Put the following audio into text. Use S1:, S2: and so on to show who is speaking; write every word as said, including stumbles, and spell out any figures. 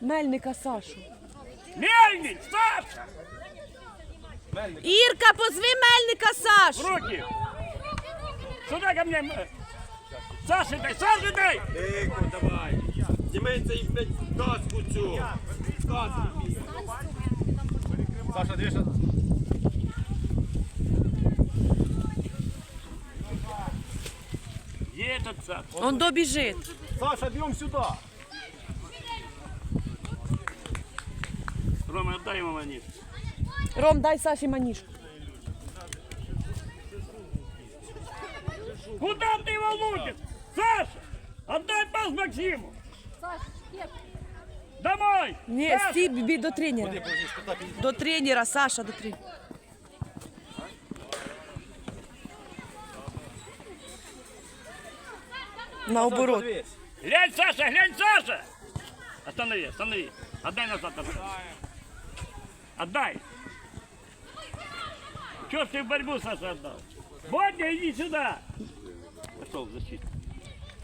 S1: Мельника Сашу.
S2: Мельник, Саша!
S1: Ірка, позви Мельника Сашу.
S2: Руки! Сюда ко мне! Саша, дай! Саша, дай!
S3: Тихо, давай. Зніметься і, блядь, каску цю. Каску. Саша, дивишся?
S2: Где этот Саша?
S1: Он добіжить.
S3: Саша, бьем сюда.
S2: Рома, отдай ему монету.
S1: Ром, дай Саші манішку.
S2: Куда ты его лупишь? Саша! Отдай пас Максиму! Домой!
S1: Ні,
S2: Саша!
S1: стій бі до тренера. До тренера, Саша, до тренера. Наоборот.
S2: Глянь, Саша, глянь, Саша! Останови, останови. Отдай назад. Отдай. Чего ж ты в борьбу, Саша, отдал? Бодя, иди сюда. Пошел в защиту.